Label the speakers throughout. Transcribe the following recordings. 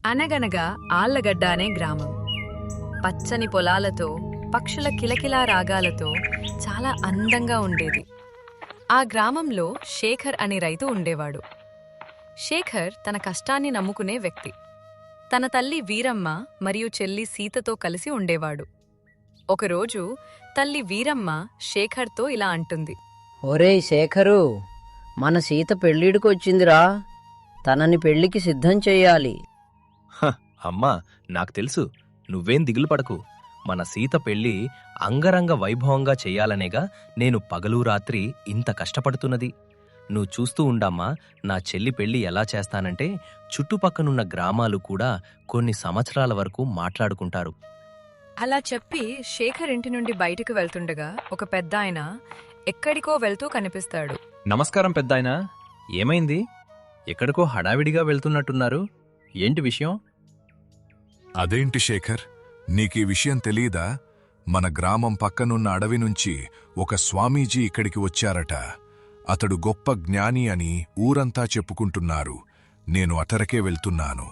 Speaker 1: అనగనగా ఆళ్లగడ్డ అనే గ్రామం పచ్చని పొలాలతో పక్షుల కిలకిలా రాగాలతో చాలా అందంగా ఉండేది. ఆ గ్రామంలో శేఖర్ అనే రైతు ఉండేవాడు. శేఖర్ తన కష్టాన్ని నమ్ముకునే వ్యక్తి. తన తల్లి వీరమ్మ మరియు చెల్లి సీతతో కలిసి ఉండేవాడు. ఒకరోజు తల్లి వీరమ్మ శేఖర్తో ఇలా అంటుంది.
Speaker 2: ఒరేయ్ శేఖరు, మన సీత పెళ్ళిడికి వచ్చిందిరా. తనని పెళ్లికి సిద్ధం చెయ్యాలి.
Speaker 3: అమ్మా, నాకు తెలుసు. నువ్వేం దిగులు పడకు. మన సీత పెళ్ళి అంగరంగ వైభవంగా చెయ్యాలనేగా నేను పగలు రాత్రి ఇంత కష్టపడుతున్నది. నువ్వు చూస్తూ ఉండమ్మా, నా చెల్లి పెళ్ళి ఎలా చేస్తానంటే చుట్టుపక్కనున్న గ్రామాలు కూడా కొన్ని సంవత్సరాల వరకు మాట్లాడుకుంటారు.
Speaker 1: అలా చెప్పి శేఖర్ ఇంటి నుండి బయటకు వెళ్తుండగా ఒక పెద్దాయన ఎక్కడికో వెళ్తూ కనిపిస్తాడు.
Speaker 3: నమస్కారం పెద్దాయనా. ఏమైంది? ఎక్కడికో హడావిడిగా వెళ్తున్నట్టున్నారు. ఏంటి విషయం?
Speaker 4: అదేంటి శేఖర్, నీకీ విషయం తెలీదా? మన గ్రామం పక్కనున్న అడవి నుంచి ఒక స్వామీజీ ఇక్కడికి వచ్చారట. అతడు గొప్ప జ్ఞాని అని ఊరంతా చెప్పుకుంటున్నారు. నేను అతరకే వెళ్తున్నాను.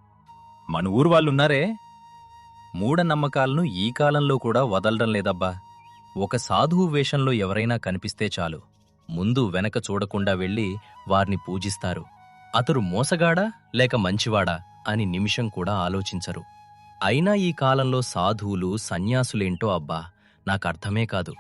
Speaker 3: మన ఊరు వాళ్ళున్నారే, మూఢనమ్మకాలను ఈ కాలంలో కూడా వదలడం లేదబ్బా. ఒక సాధువు వేషంలో ఎవరైనా కనిపిస్తే చాలు, ముందు వెనక చూడకుండా వెళ్ళి వారిని పూజిస్తారు. అతడు మోసగాడా లేక మంచివాడా అని నిమిషం కూడా ఆలోచించరు. అయినా ఈ కాలంలో సాధువులు సన్యాసులేంటో అబ్బా, నాకర్థమే కాదు.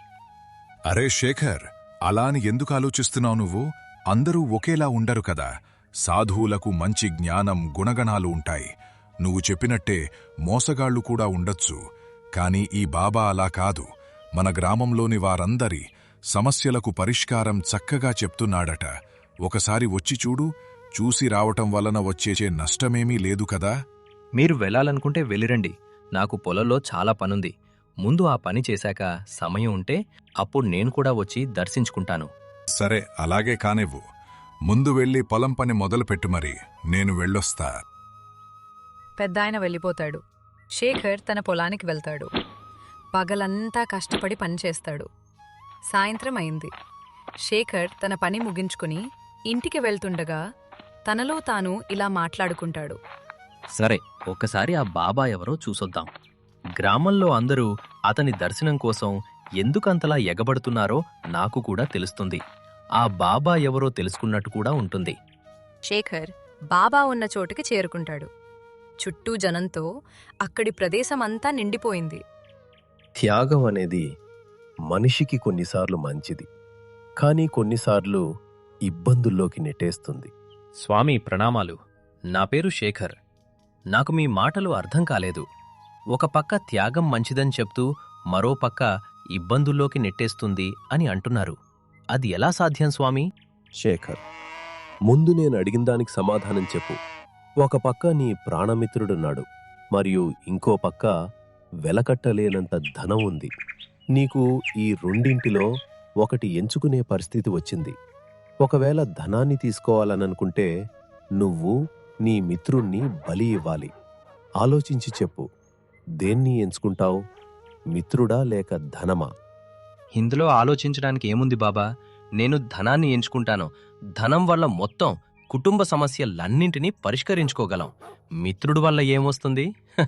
Speaker 4: అరే శేఖర్, అలా అని ఎందుకు ఆలోచిస్తున్నావు నువ్వు? అందరూ ఒకేలా ఉండరు కదా. సాధువులకు మంచి జ్ఞానం, గుణగణాలు ఉంటాయి. నువ్వు చెప్పినట్టే మోసగాళ్లు కూడా ఉండొచ్చు. కాని ఈ బాబా అలా కాదు. మన గ్రామంలోని వారందరి సమస్యలకు పరిష్కారం చక్కగా చెప్తున్నాడట. ఒకసారి వచ్చి చూడు. చూసి రావటం వలన వచ్చే నష్టమేమీ లేదు కదా.
Speaker 3: మీరు వెళ్ళాలనుకుంటే వెళ్ళిరండి. నాకు పొలంలో చాలా పనుంది. ముందు ఆ పని చేశాక సమయం ఉంటే అప్పుడు నేను కూడా వచ్చి దర్శించుకుంటాను.
Speaker 4: సరే, అలాగే కానివ్వు. ముందు వెళ్ళి పొలం పని మొదలుపెట్టు. మరి నేను వెళ్ళొస్తా.
Speaker 1: పెద్దాయన వెళ్ళిపోతాడు. శేఖర్ తన పొలానికి వెళ్తాడు. పగలంతా కష్టపడి పనిచేస్తాడు. సాయంత్రం అయింది. శేఖర్ తన పని ముగించుకుని ఇంటికి వెళ్తుండగా తనలో తాను ఇలా మాట్లాడుకుంటాడు.
Speaker 3: సరే, ఒక్కసారి ఆ బాబా ఎవరో చూసొద్దాం. గ్రామంలో అందరూ అతని దర్శనం కోసం ఎందుకంతలా ఎగబడుతున్నారో నాకు కూడా తెలుస్తుంది. ఆ బాబా ఎవరో తెలుసుకున్నట్టు కూడా ఉంటుంది.
Speaker 1: శేఖర్ బాబా ఉన్న చోటుకి చేరుకుంటాడు. చుట్టూ జనంతో అక్కడి ప్రదేశమంతా నిండిపోయింది.
Speaker 5: త్యాగం అనేది మనిషికి కొన్నిసార్లు మంచిది, కానీ కొన్నిసార్లు ఇబ్బందుల్లోకి నెట్టేస్తుంది.
Speaker 3: స్వామి ప్రణామాలు. నా పేరు శేఖర్. నాకు మీ మాటలు అర్థం కాలేదు. ఒక పక్క త్యాగం మంచిదని చెప్తూ మరో పక్క ఇబ్బందుల్లోకి నెట్టేస్తుంది అని అంటున్నారు. అది ఎలా సాధ్యం స్వామి?
Speaker 5: శేఖర్, ముందు నేను అడిగిన దానికి సమాధానం చెప్పు. ఒక పక్క నీ ప్రాణమిత్రుడున్నాడు, మరియు ఇంకో పక్క వెలకట్టలేనంత ధనం ఉంది. నీకు ఈ రెండింటిలో ఒకటి ఎంచుకునే పరిస్థితి వచ్చింది. ఒకవేళ ధనాన్ని తీసుకోవాలననుకుంటే నువ్వు నీ మిత్రుణ్ణి బలి ఇవ్వాలి. ఆలోచించి చెప్పు, దేన్ని ఎంచుకుంటావు? మిత్రుడా లేక ధనమా?
Speaker 3: ఇందులో ఆలోచించడానికి ఏముంది బాబా? నేను ధనాన్ని ఎంచుకుంటాను. ధనం వల్ల మొత్తం కుటుంబ సమస్యలన్నింటినీ పరిష్కరించుకోగలం. మిత్రుడు వల్ల ఏమొస్తుంది?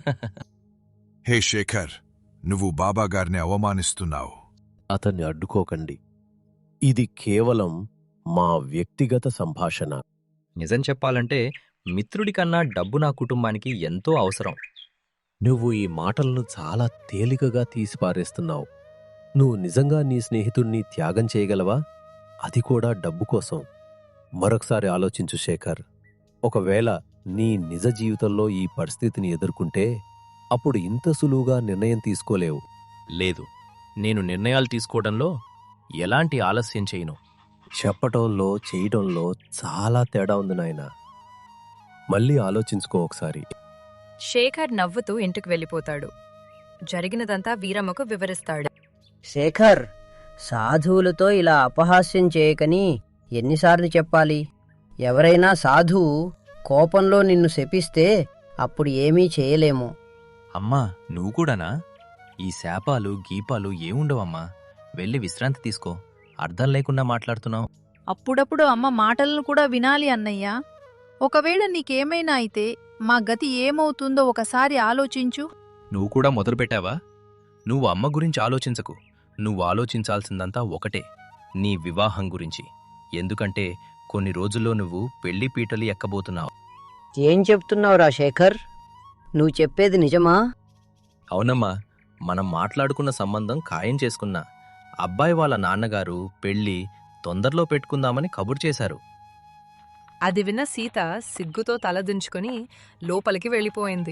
Speaker 4: హే శేఖర్, నువ్వు బాబాగారిని అవమానిస్తున్నావు.
Speaker 5: అతన్ని అడ్డుకోకండి. ఇది కేవలం మా వ్యక్తిగత సంభాషణ.
Speaker 3: నిజం చెప్పాలంటే మిత్రుడి కన్నా డబ్బు నా కుటుంబానికి ఎంతో అవసరం.
Speaker 5: నువ్వు ఈ మాటలను చాలా తేలికగా తీసిపారేస్తున్నావు. నువ్వు నిజంగా నీ స్నేహితుణ్ణి త్యాగం చేయగలవా? అది కూడా డబ్బు కోసం? మరొకసారి ఆలోచించు శేఖర్. ఒకవేళ నీ నిజ జీవితంలో ఈ పరిస్థితిని ఎదుర్కొంటే అప్పుడు ఇంత సులువుగా నిర్ణయం తీసుకోలేవు.
Speaker 3: లేదు, నేను నిర్ణయాలు తీసుకోవడంలో ఎలాంటి ఆలస్యం చేయను.
Speaker 5: చెప్పటంలో చేయటంలో చాలా తేడా ఉంది నాయనా. మళ్ళీ ఆలోచించుకో ఒకసారి.
Speaker 1: శేఖర్ నవ్వుతూ ఇంటికి వెళ్ళిపోతాడు. జరిగినదంతా వీరమ్మకు వివరిస్తాడు.
Speaker 2: శేఖర్, సాధువులతో ఇలా అపహాస్యం చేయకని ఎన్నిసార్లు చెప్పాలి? ఎవరైనా సాధువు కోపంలో నిన్ను శపిస్తే అప్పుడు ఏమీ చేయలేము.
Speaker 3: అమ్మా, నువ్వు కూడానా? ఈ శాపాలు గీపాలు ఏముండవమ్మా. వెళ్ళి విశ్రాంతి తీసుకో. అర్థం లేకుండా మాట్లాడుతున్నావు.
Speaker 6: అప్పుడప్పుడు అమ్మ మాటలను కూడా వినాలి అన్నయ్యా. ఒకవేళ నీకేమైనా అయితే మా గతి ఏమవుతుందో ఒకసారి ఆలోచించు.
Speaker 3: నువ్వు కూడా మొదలుపెట్టావా? నువ్వు అమ్మ గురించి ఆలోచించకు. నువ్వు ఆలోచించాల్సిందంతా ఒకటే, నీ వివాహం గురించి. ఎందుకంటే కొన్ని రోజుల్లో నువ్వు పెళ్లి పీటలు ఎక్కబోతున్నావు.
Speaker 2: ఏం చెప్తున్నావురా శేఖర్? నువ్వు చెప్పేది నిజమా?
Speaker 3: అవునమ్మా, మనం మాట్లాడుకున్న సంబంధం ఖాయం చేసుకున్నా. అబ్బాయి వాళ్ళ నాన్నగారు పెళ్లి తొందరలో పెట్టుకుందామని కబురు చేశారు.
Speaker 1: అది విన్న సీత సిగ్గుతో తలదించుకుని లోపలికి వెళ్ళిపోయింది.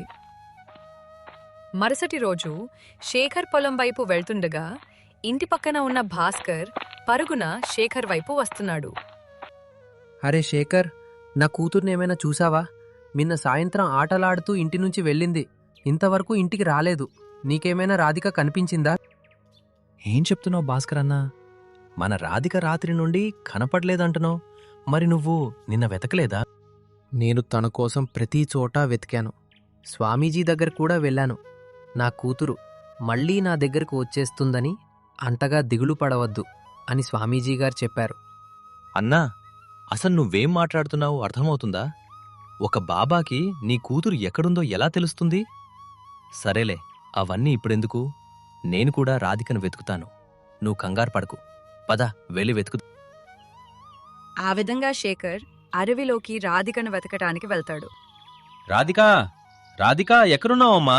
Speaker 1: మరుసటి రోజు శేఖర్ పొలం వైపు వెళ్తుండగా ఇంటి పక్కన ఉన్న భాస్కర్ పరుగున శేఖర్ వైపు వస్తున్నాడు.
Speaker 7: అరే శేఖర్, నా కూతుర్నేమైనా చూసావా? నిన్న సాయంత్రం ఆటలాడుతూ ఇంటి నుంచి వెళ్ళింది. ఇంతవరకు ఇంటికి రాలేదు. నీకేమైనా రాధిక కనిపించిందా?
Speaker 3: ఏం చెప్తున్నావు భాస్కర్ అన్నా? మన రాధిక రాత్రి నుండి కనపడలేదంటున్నావు. మరి నువ్వు నిన్న వెతకలేదా?
Speaker 7: నేను తన కోసం ప్రతి చోటా వెతికాను. స్వామీజీ దగ్గర కూడా వెళ్ళాను. నా కూతురు మళ్ళీ నా దగ్గరకు వచ్చేస్తుందని అంతగా దిగులు పడవద్దు అని స్వామీజీ గారు చెప్పారు.
Speaker 3: అన్నా, అసలు నువ్వేం మాట్లాడుతున్నావు అర్థమవుతుందా? ఒక బాబాకి నీ కూతురు ఎక్కడుందో ఎలా తెలుస్తుంది? సరేలే, అవన్నీ ఇప్పుడెందుకు? నేను కూడా రాధికను వెతుకుతాను. నువ్వు కంగారు పడకు. పద, వెళ్ళి వెతుకు.
Speaker 1: ఆ విధంగా శేఖర్ అడవిలోకి రాధికను వెతకటానికి వెళ్తాడు.
Speaker 3: రాధికా, రాధికా ఎక్కడున్నావమ్మా?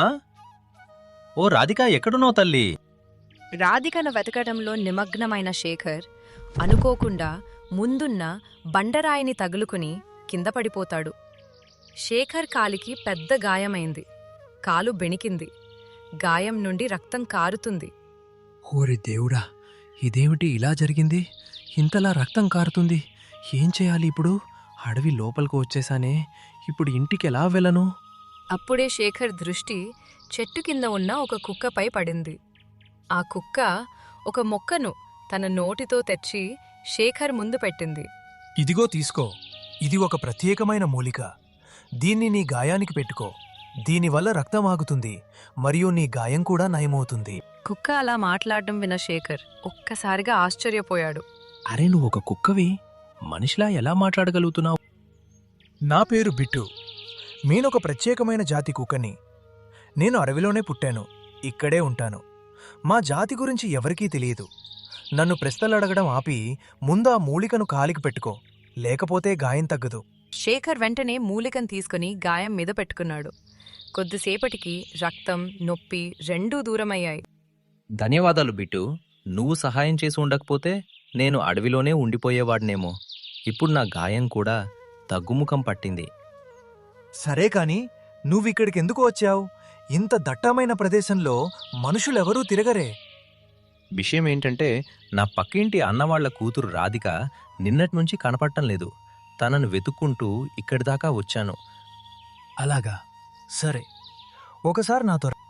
Speaker 3: ఓ రాధికా, ఎక్కడున్నావు తల్లి?
Speaker 1: రాధికను వెతకటంలో నిమగ్నమైన శేఖర్ అనుకోకుండా ముందున్న బండరాయిని తగులుకుని కింద పడిపోతాడు. శేఖర్ కాలికి పెద్ద గాయమైంది. కాలు బెణికింది. గాయం నుండి రక్తం కారుతుంది.
Speaker 7: ఓరి దేవుడా, ఇదేమిటి ఇలా జరిగింది? ఇంతలా రక్తం కారుతుంది. ఏం చేయాలి ఇప్పుడు? అడవి లోపలికి వచ్చేసానే. ఇప్పుడు ఇంటికి ఎలా వెళ్ళను?
Speaker 1: అప్పుడే శేఖర్ దృష్టి చెట్టు కింద ఉన్న ఒక కుక్కపై పడింది. ఆ కుక్క ఒక మొక్కను తన నోటితో తెచ్చి శేఖర్ ముందు పెట్టింది.
Speaker 8: ఇదిగో తీసుకో. ఇది ఒక ప్రత్యేకమైన మూలిక. దీన్ని నీ గాయానికి పెట్టుకో. దీనివల్ల రక్తం ఆగుతుంది మరియు నీ గాయం కూడా నయమవుతుంది.
Speaker 1: కుక్క అలా మాట్లాడడం విన్న శేఖర్ ఒక్కసారిగా ఆశ్చర్యపోయాడు.
Speaker 3: అరే, నువ్వు ఒక కుక్కవి, మనిషిలా ఎలా మాట్లాడగలుగుతున్నావు?
Speaker 8: నా పేరు బిట్టు. నేనొక ప్రత్యేకమైన జాతి కుక్కని. నేను అడవిలోనే పుట్టాను. ఇక్కడే ఉంటాను. మా జాతి గురించి ఎవరికీ తెలియదు. నన్ను ప్రశ్నలు అడగడం ఆపి ముందు ఆ మూలికను కాలికి పెట్టుకో, లేకపోతే గాయం తగ్గదు.
Speaker 1: శేఖర్ వెంటనే మూలికను తీసుకుని గాయం మీద పెట్టుకున్నాడు. కొద్దిసేపటికి రక్తం, నొప్పి రెండూ దూరమయ్యాయి.
Speaker 3: ధన్యవాదాలు బిట్టు. నువ్వు సహాయం చేసి ఉండకపోతే నేను అడవిలోనే ఉండిపోయేవాడినేమో. ఇప్పుడు నా గాయం కూడా తగ్గుముఖం పట్టింది.
Speaker 8: సరే కాని నువ్విక్కడికెందుకు వచ్చావు? ఇంత దట్టమైన ప్రదేశంలో మనుషులెవరూ తిరగరే.
Speaker 3: విషయం ఏంటంటే, నా పక్కింటి అన్నవాళ్ల కూతురు రాధిక నిన్నట్నుంచి కనపడటం లేదు. తనను వెతుక్కుంటూ ఇక్కడిదాకా వచ్చాను.
Speaker 8: అలాగా, సరే, ఒకసారి నాతో రా.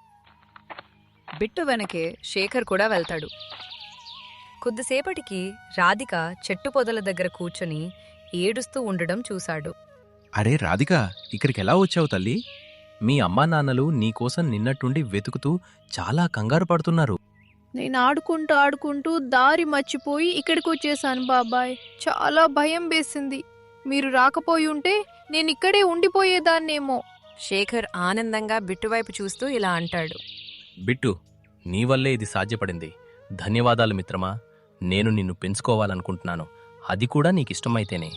Speaker 1: బిట్టు వెనకే శేఖర్ కూడా వెళ్తాడు. కొద్దిసేపటికి రాధిక చెట్టు పొదల దగ్గర కూర్చొని ఏడుస్తూ ఉండడం చూశాడు.
Speaker 3: అరే రాధిక, ఇక్కడికెలా వచ్చావు తల్లి? మీ అమ్మా నాన్నలు నీకోసం నిన్నట్టుండి వెతుకుతూ చాలా కంగారు పడుతున్నారు.
Speaker 6: నేను ఆడుకుంటూ దారి మర్చిపోయి ఇక్కడికి వచ్చేసాను బాబాయ్. చాలా భయం వేసింది. మీరు రాకపోయి ఉంటే నేను ఇక్కడే ఉండిపోయేదాన్నేమో.
Speaker 1: శేఖర్ ఆనందంగా బిట్టువైపు చూస్తూ ఇలా అంటాడు.
Speaker 3: బిట్టు, నీ వల్లే ఇది సాధ్యపడింది. ధన్యవాదాలు మిత్రమా. నేను నిన్ను పెంచుకోవాలనుకుంటున్నాను, అది కూడా నీకిష్టమైతేనే.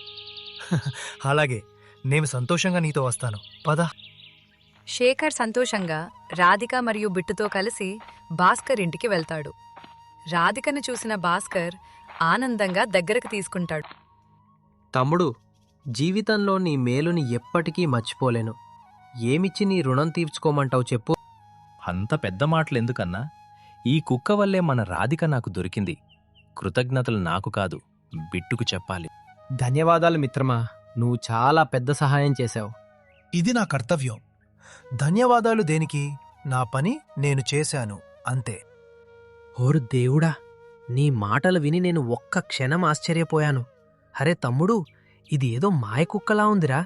Speaker 8: అలాగే, నేను సంతోషంగా నీతో వస్తాను. పద.
Speaker 1: శేఖర్ సంతోషంగా రాధిక మరియు బిట్టుతో కలిసి భాస్కర్ ఇంటికి వెళ్తాడు. రాధికను చూసిన భాస్కర్ ఆనందంగా దగ్గరకు తీసుకుంటాడు.
Speaker 7: తమ్ముడు, జీవితంలో నీ మేలుని ఎప్పటికీ మర్చిపోలేను. ఏమిచ్చి నీ రుణం తీర్చుకోమంటావు చెప్పు?
Speaker 3: అంత పెద్ద మాటలెందుకన్నా? ఈ కుక్క వల్లే మన రాధిక నాకు దొరికింది. కృతజ్ఞతలు నాకు కాదు, బిట్టుకు చెప్పాలి.
Speaker 7: ధన్యవాదాలు మిత్రమా. నువ్వు చాలా పెద్ద సహాయం చేశావు.
Speaker 8: ఇది నా కర్తవ్యం. ధన్యవాదాలు దేనికి? నా పని నేను చేశాను, అంతే.
Speaker 7: ఓరు దేవుడా, నీ మాటలు విని నేను ఒక్క క్షణం ఆశ్చర్యపోయాను. అరే తమ్ముడు, ఇది ఏదో మాయకుక్కలా ఉందిరా.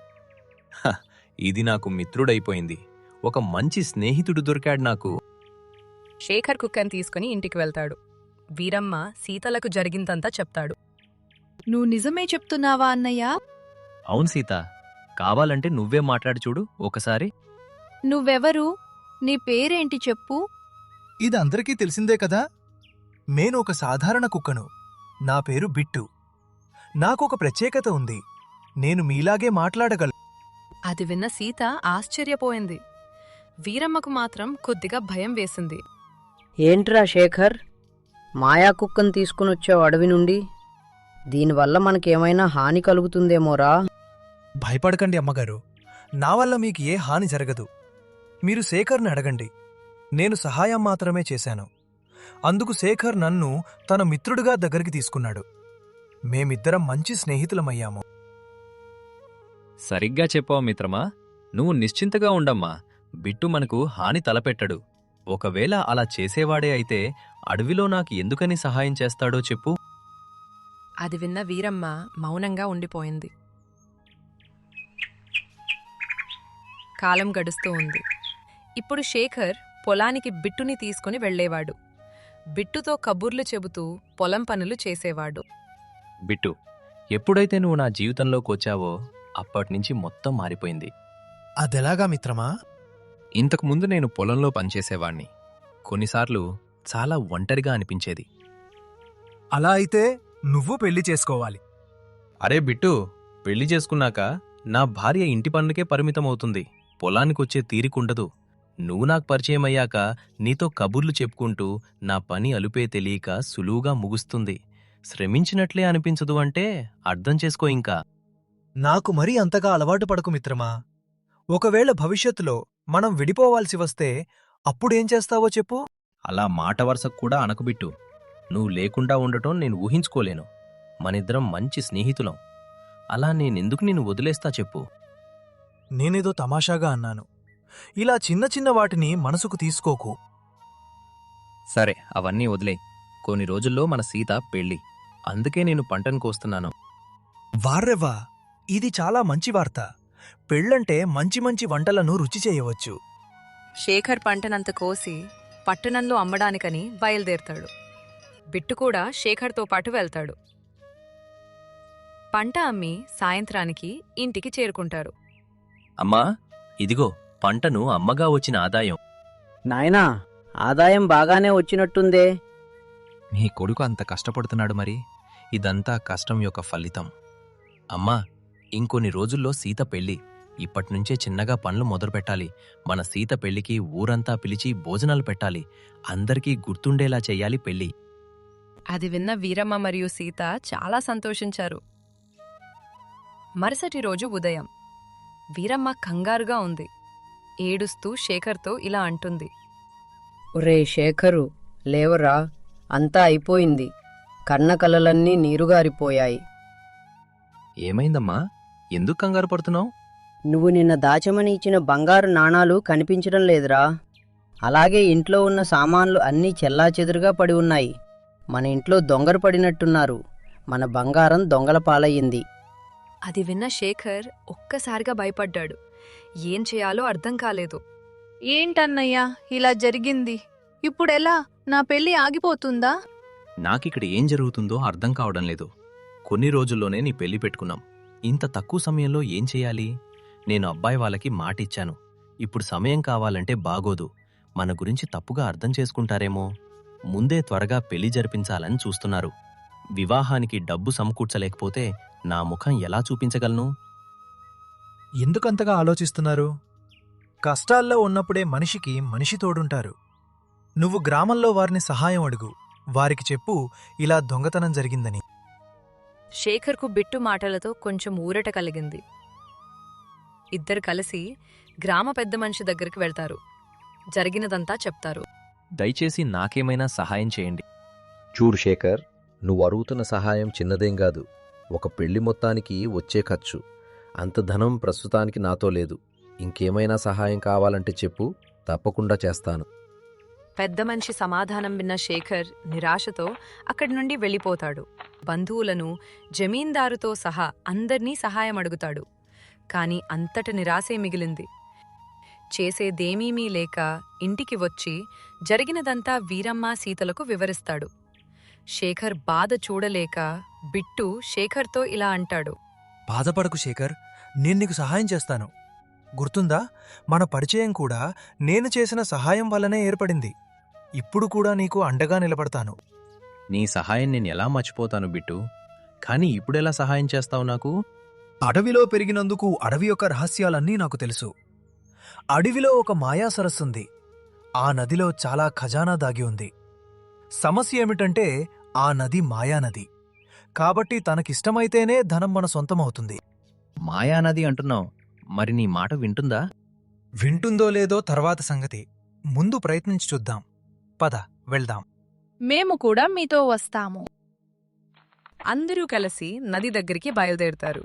Speaker 3: ఇది నాకు మిత్రుడైపోయింది. ఒక మంచి స్నేహితుడు దొరికాడు నాకు.
Speaker 1: శేఖర్ కుక్కను తీసుకుని ఇంటికి వెళ్తాడు. వీరమ్మ సీతలకు జరిగిందంతా చెప్తాడు.
Speaker 6: నువ్వు నిజమే చెప్తున్నావా అన్నయ్య?
Speaker 3: అవును సీత, కావాలంటే నువ్వే మాట్లాడి చూడు ఒకసారి.
Speaker 6: నువ్వెవరు? నీ పేరేంటి చెప్పు.
Speaker 8: ఇది అందరికీ తెలిసిందే కదా. నేను ఒక సాధారణ కుక్కను. నా పేరు బిట్టు. నాకొక ప్రత్యేకత ఉంది. నేను మీలాగే మాట్లాడగలను.
Speaker 1: అది విన్న సీత ఆశ్చర్యపోయింది. వీరమ్మకు మాత్రం కొద్దిగా భయం వేసింది.
Speaker 2: ఏంట్రా శేఖర్, మాయా కుక్కను తీసుకునొచ్చావు అడవి నుండి? దీనివల్ల మనకేమైనా హాని కలుగుతుందేమోరా?
Speaker 8: భయపడకండి అమ్మగారు, నా వల్ల మీకు ఏ హాని జరగదు. మీరు శేఖర్ని అడగండి. నేను సహాయం మాత్రమే చేశాను. అందుకు శేఖర్ నన్ను తన మిత్రుడిగా దగ్గరికి తీసుకున్నాడు. మేమిద్దరం మంచి స్నేహితులమయ్యాము.
Speaker 3: సరిగ్గా చెప్పావు మిత్రమా. నువ్వు నిశ్చింతగా ఉండమ్మా. బిట్టు మనకు హాని తలపెట్టడు. ఒకవేళ అలా చేసేవాడే అయితే అడవిలో నాకు ఎందుకని సహాయం చేస్తాడో చెప్పు.
Speaker 1: అది విన్న వీరమ్మ మౌనంగా ఉండిపోయింది. కాలం గడుస్తూ ఉంది. ఇప్పుడు శేఖర్ పొలానికి బిట్టుని తీసుకుని వెళ్లేవాడు. బిట్టుతో కబుర్లు చెబుతూ పొలం పనులు చేసేవాడు.
Speaker 3: బిట్టు, ఎప్పుడైతే నువ్వు నా జీవితంలోకి వచ్చావో అప్పటినుంచి మొత్తం మారిపోయింది.
Speaker 8: అదెలాగా మిత్రమా?
Speaker 3: ఇంతకుముందు నేను పొలంలో పనిచేసేవాణ్ణి. కొన్నిసార్లు చాలా ఒంటరిగా అనిపించేది.
Speaker 8: అలా అయితే నువ్వు పెళ్లి చేసుకోవాలి.
Speaker 3: అరే బిట్టు, పెళ్లి చేసుకున్నాక నా భార్య ఇంటి పనులకే పరిమితమవుతుంది. పొలానికొచ్చే తీరికుండదు. నువ్వు నాకు పరిచయం అయ్యాక నీతో కబుర్లు చెప్పుకుంటూ నా పని అలుపే తెలియక సులువుగా ముగుస్తుంది. శ్రమించినట్లే అనిపించదు అంటే అర్థం చేసుకో. ఇంకా
Speaker 8: నాకు మరీ అంతగా అలవాటు పడకు మిత్రమా. ఒకవేళ భవిష్యత్తులో మనం విడిపోవాల్సి వస్తే అప్పుడేం చేస్తావో చెప్పు.
Speaker 3: అలా మాట వరుసకు కూడా అనకుబిట్టు. నువ్వు లేకుండా ఉండటం నేను ఊహించుకోలేను. మనిద్దరం మంచి స్నేహితులం. అలా నేనెందుకు నిన్ను వదిలేస్తా చెప్పు.
Speaker 8: నేనేదో తమాషాగా అన్నాను. ఇలా చిన్న చిన్న వాటిని మనసుకు తీసుకోకు.
Speaker 3: సరే, అవన్నీ వదిలే. కొన్ని రోజుల్లో మన సీత పెళ్ళి. అందుకే నేను పంటను కోస్తున్నాను.
Speaker 8: వార్రెవ్వా, ఇది చాలా మంచి వార్త. పెళ్ళంటే మంచి మంచి వంటలను రుచి చేయవచ్చు.
Speaker 1: శేఖర్ పంటనంత కోసి పట్టణంలో అమ్మడానికని బయలుదేరతాడు. బిట్టు కూడా శేఖర్తో పాటు వెళ్తాడు. పంట అమ్మి సాయంత్రానికి ఇంటికి చేరుకుంటారు.
Speaker 3: అమ్మా, ఇదిగో పంటను అమ్మగా వచ్చిన ఆదాయం.
Speaker 2: నాయనా, ఆదాయం బాగానే వచ్చినట్టుందే.
Speaker 3: నీ కొడుకు అంత కష్టపడుతున్నాడు మరి. ఇదంతా కష్టం యొక్క ఫలితం. అమ్మా, ఇంకొన్ని రోజుల్లో సీత పెళ్ళి. ఇప్పటినుంచే చిన్నగా పనులు మొదలుపెట్టాలి. మన సీత పెళ్లికి ఊరంతా పిలిచి భోజనాలు పెట్టాలి. అందరికీ గుర్తుండేలా చెయ్యాలి పెళ్ళి.
Speaker 1: అది విన్న వీరమ్మ మరియు సీత చాలా సంతోషించారు. మరుసటి రోజు ఉదయం వీరమ్మ కంగారుగా ఉంది. ఏడుస్తూ శేఖర్తో ఇలా అంటుంది.
Speaker 2: ఒరే శేఖరు, లేవరా, అంతా అయిపోయింది. కన్న కలలన్నీ నీరుగారిపోయాయి.
Speaker 3: ఏమైందమ్మా? ఎందుకు కంగారు పడుతున్నావు?
Speaker 2: నువ్వు నిన్న దాచమని ఇచ్చిన బంగారు నాణాలు కనిపించడం లేదురా. అలాగే ఇంట్లో ఉన్న సామాన్లు అన్నీ చెల్లాచెదురుగా పడి ఉన్నాయి. మన ఇంట్లో దొంగలు పడినట్టున్నారు. మన బంగారం దొంగల పాలయ్యింది.
Speaker 1: అది విన్న శేఖర్ ఒక్కసారిగా భయపడ్డాడు. ఏం చేయాలో అర్థం కాలేదు.
Speaker 6: ఏంటన్నయ్యా ఇలా జరిగింది? ఇప్పుడెలా? నా పెళ్లి ఆగిపోతుందా?
Speaker 3: నాకిక్కడ ఏం జరుగుతుందో అర్థం కావడం లేదు. కొన్ని రోజుల్లోనే నీ పెళ్లి పెట్టుకున్నాం. ఇంత తక్కువ సమయంలో ఏం చెయ్యాలి? నేను అబ్బాయి వాళ్ళకి మాటిచ్చాను. ఇప్పుడు సమయం కావాలంటే బాగోదు. మన గురించి తప్పుగా అర్థం చేసుకుంటారేమో. ముందే త్వరగా పెళ్లి జరిపించాలని చూస్తున్నారు. వివాహానికి డబ్బు సమకూర్చలేకపోతే నా ముఖం ఎలా చూపించగలను?
Speaker 8: ఎందుకంతగా ఆలోచిస్తున్నారు? కష్టాల్లో ఉన్నప్పుడే మనిషికి మనిషి తోడుంటారు. నువ్వు గ్రామంలో వారిని సహాయం అడుగు. వారికి చెప్పు ఇలా దొంగతనం జరిగిందని.
Speaker 1: శేఖర్కు బిట్టు మాటలతో కొంచెం ఊరట కలిగింది. ఇద్దరు కలిసి గ్రామ పెద్ద మనిషి దగ్గరికి వెళ్తారు. జరిగినదంతా చెప్తారు.
Speaker 3: దయచేసి నాకేమైనా సహాయం చేయండి.
Speaker 9: చూడు శేఖర్, నువ్వు అడుగుతున్న సహాయం చిన్నదేం కాదు. ఒక పెళ్లి మొత్తానికి వచ్చే ఖర్చు. అంత ధనం ప్రస్తుతానికి నాతో లేదు. ఇంకేమైనా సహాయం కావాలంటే చెప్పు, తప్పకుండా చేస్తాను.
Speaker 1: పెద్ద మనిషి సమాధానం విన్న శేఖర్ నిరాశతో అక్కడి నుండి వెళ్ళిపోతాడు. బంధువులను, జమీందారుతో సహా అందర్నీ సహాయం అడుగుతాడు. కాని అంతట నిరాశే మిగిలింది. చేసేదేమీమీ లేక ఇంటికి వచ్చి జరిగినదంతా వీరమ్మ, సీతలకు వివరిస్తాడు. శేఖర్ బాధ చూడలేక బిట్టు శేఖర్తో ఇలా అంటాడు.
Speaker 8: బాధపడకు శేఖర్, నేను నీకు సహాయం చేస్తాను. గుర్తుందా, మన పరిచయం కూడా నేను చేసిన సహాయం వల్లనే ఏర్పడింది. ఇప్పుడు కూడా నీకు అండగా నిలబడతాను.
Speaker 3: నీ సహాయం నేను ఎలా మర్చిపోతాను బిట్టు. కానీ ఇప్పుడెలా సహాయం చేస్తావు నాకు?
Speaker 8: అడవిలో పెరిగినందుకు అడవి యొక్క రహస్యాలన్నీ నాకు తెలుసు. అడవిలో ఒక మాయా సరస్సుంది. ఆ నదిలో చాలా ఖజానా దాగి ఉంది. సమస్య ఏమిటంటే ఆ నది మాయానది. కాబట్టి తనకిష్టమైతేనే ధనం మన సొంతమవుతుంది.
Speaker 3: మాయానది అంటున్నావు, మరి నీ మాట వింటుందా?
Speaker 8: వింటుందో లేదో తర్వాత సంగతి. ముందు ప్రయత్నించి చూద్దాం. పద వెళ్దాం.
Speaker 6: మేము కూడా మీతో వస్తాము.
Speaker 1: అందరూ కలిసి నది దగ్గరికి బయలుదేరుతారు.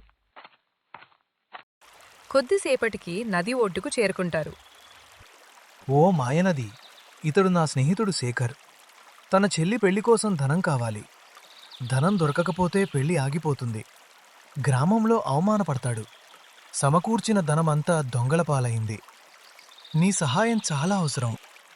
Speaker 1: కొద్దిసేపటికి నది ఒడ్డుకు చేరుకుంటారు.
Speaker 8: ఓ మాయనది, ఇతడు నా స్నేహితుడు శేఖర్. తన చెల్లి పెళ్లి కోసం ధనం కావాలి. ధనం దొరకకపోతే పెళ్లి ఆగిపోతుంది. గ్రామంలో అవమానపడతాడు. సమకూర్చిన ధనమంతా దొంగల పాలైంది. నీ సహాయం చాలా అవసరం.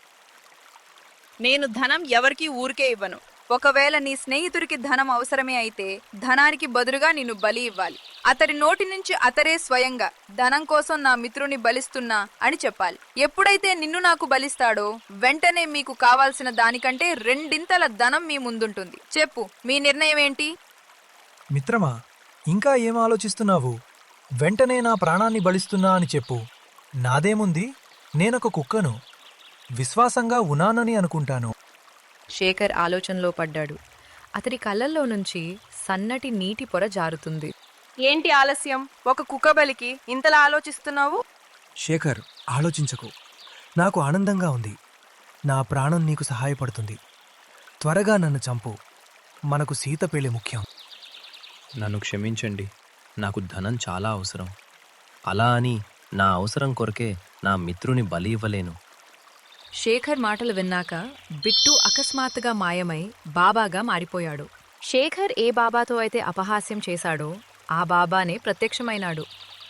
Speaker 10: నేను ధనం ఎవరికీ ఊరికే ఇవ్వను. ఒకవేళ నీ స్నేహితుడికి ధనం అవసరమే అయితే ధనానికి బదులుగా నిన్ను బలి ఇవ్వాలి. అతడి నోటి నుంచి అతడే స్వయంగా ధనం కోసం నా మిత్రుని బలిస్తున్నా అని చెప్పాలి. ఎప్పుడైతే నిన్ను నాకు బలిస్తాడో వెంటనే మీకు కావాల్సిన దానికంటే 2 ధనం మీ ముందుంటుంది. చెప్పు, మీ నిర్ణయం ఏంటి?
Speaker 8: మిత్రమా, ఇంకా ఏం ఆలోచిస్తున్నావు? వెంటనే నా ప్రాణాన్ని బలిస్తున్నా అని చెప్పు. నాదేముంది, నేనొక కుక్కను. విశ్వాసంగా ఉన్నానని అనుకుంటాను.
Speaker 1: శేఖర్ ఆలోచనలో పడ్డాడు. అతడి కళ్ళల్లో నుంచి సన్నటి నీటి పొర జారుతుంది.
Speaker 10: ఏంటి ఆలస్యం? ఒక కుక్క బలికి ఇంతలా ఆలోచిస్తున్నావు?
Speaker 8: శేఖర్, ఆలోచించకు. నాకు ఆనందంగా ఉంది. నా ప్రాణం నీకు సహాయపడుతుంది. త్వరగా నన్ను చంపు. మనకు సీత పెళ్లి ముఖ్యం.
Speaker 3: నన్ను క్షమించండి, నాకు ధనం చాలా అవసరం. అలా అని నా అవసరం కొరకే నా మిత్రుని బలి ఇవ్వలేను.
Speaker 1: శేఖర్ మాటలు విన్నాక బిట్టు అకస్మాత్తుగా మాయమై బాబాగా మారిపోయాడు. శేఖర్ ఏ బాబాతో అయితే అపహాస్యం చేశాడో ఆ బాబానే ప్రత్యక్షమైనాడు.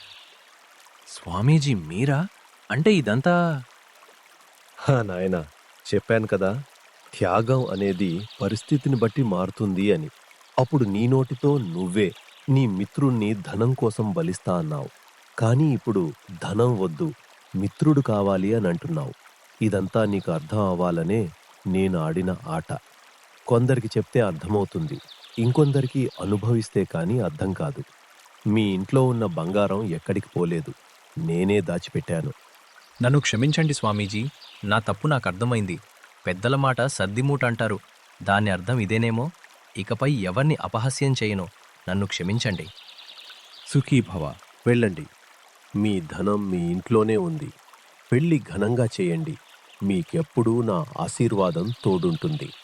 Speaker 3: స్వామీజీ మీరా? అంటే ఇదంతా...
Speaker 5: నాయనా, చెప్పాను కదా, త్యాగం అనేది పరిస్థితిని బట్టి మారుతుంది అని. అప్పుడు నీ నోటితో నువ్వే నీ మిత్రుణ్ణి ధనం కోసం బలిస్తా అన్నావు. కానీ ఇప్పుడు ధనం వద్దు, మిత్రుడు కావాలి అని అంటున్నావు. ఇదంతా నీకు అర్థం అవ్వాలనే నేను ఆడిన ఆట. కొందరికి చెప్తే అర్థమవుతుంది, ఇంకొందరికి అనుభవిస్తే కానీ అర్థం కాదు. మీ ఇంట్లో ఉన్న బంగారం ఎక్కడికి పోలేదు, నేనే దాచిపెట్టాను.
Speaker 3: నన్ను క్షమించండి స్వామీజీ, నా తప్పు నాకు అర్థమైంది. పెద్దల మాట సర్దిమూట అంటారు. దాని అర్థం ఇదేనేమో. ఇకపై ఎవర్ని అపహాస్యం చేయను. నన్ను క్షమించండి.
Speaker 5: సుఖీభవ, వెళ్ళండి. మీ ధనం మీ ఇంట్లోనే ఉంది. పెళ్లి ఘనంగా చేయండి. మీకెప్పుడూ నా ఆశీర్వాదం తోడుంటుంది.